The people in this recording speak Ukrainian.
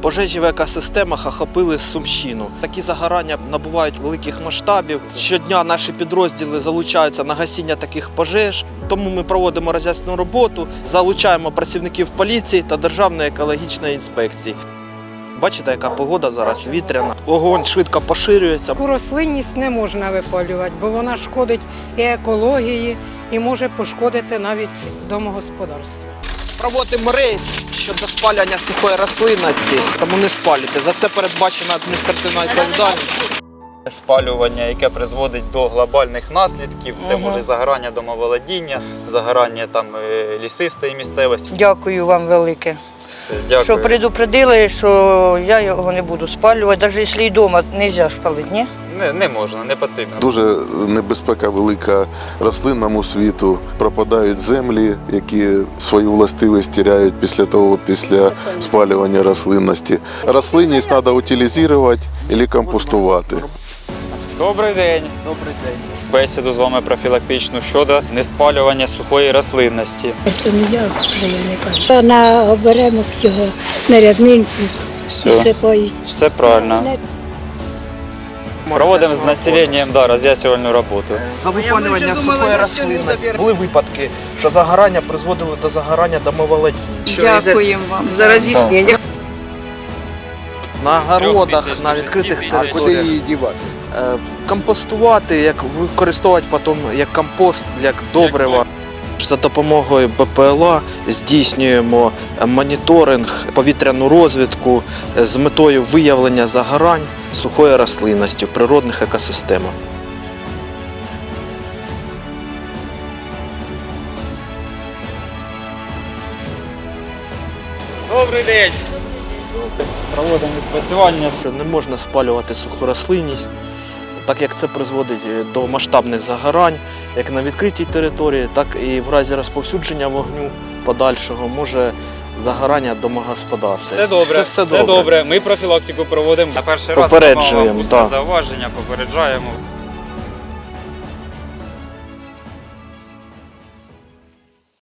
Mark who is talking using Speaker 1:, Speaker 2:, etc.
Speaker 1: Пожежі в екосистемах охопили Сумщину. Такі загорання набувають великих масштабів. Щодня наші підрозділи залучаються на гасіння таких пожеж. Тому ми проводимо роз'яснювальну роботу, залучаємо працівників поліції та Державної екологічної інспекції. Бачите, яка погода зараз, вітряна. Вогонь швидко поширюється.
Speaker 2: Таку рослинність не можна випалювати, бо вона шкодить і екології, і може пошкодити навіть домогосподарство.
Speaker 1: Проводимо рейд щодо спалювання сухої рослинності, тому не спалюйте. За це передбачена адміністративна відповідальність.
Speaker 3: Спалювання, яке призводить до глобальних наслідків, це може загорання домоволодіння, загорання лісистої місцевості.
Speaker 4: Дякую вам велике,
Speaker 3: Все, дякую.
Speaker 4: що предупредили, що я його не буду спалювати, навіть якщо і вдома не можна спалити, ні?
Speaker 3: Не можна, не потрібно.
Speaker 5: Дуже небезпека велика рослинному світу. Пропадають землі, які свою властивість теряють після спалювання рослинності. Рослинність треба утилізувати або компостувати.
Speaker 3: Добрий день.
Speaker 1: Добрий день.
Speaker 3: Бесіду з вами профілактичну щодо неспалювання сухої рослинності.
Speaker 6: Це не я, заявника. На оберемок його на ряднинку сипають.
Speaker 3: Все правильно. Проводимо з населенням роз'яснювальну роботу.
Speaker 1: За випалювання сухої рослинності були випадки, що загорання призводили до загорання домоволодіння.
Speaker 4: Дякуємо вам за роз'яснення.
Speaker 1: На городах, на відкритих територіях.
Speaker 7: Куди її дівати?
Speaker 1: Компостувати, використовувати потім як компост, як добрива. За допомогою БПЛА здійснюємо моніторинг, повітряну розвідку з метою виявлення загорань сухої рослинності в природних екосистемах.
Speaker 3: Добрий день. Проводимо відпрацювання.
Speaker 1: Не можна спалювати суху рослинність, так як це призводить до масштабних загорань, як на відкритій території, так і в разі розповсюдження вогню подальшого може загорання домогосподарства.
Speaker 3: Все добре. Ми профілактику проводимо. На перший раз
Speaker 1: Попереджуємо,
Speaker 3: усне зауваження, попереджаємо.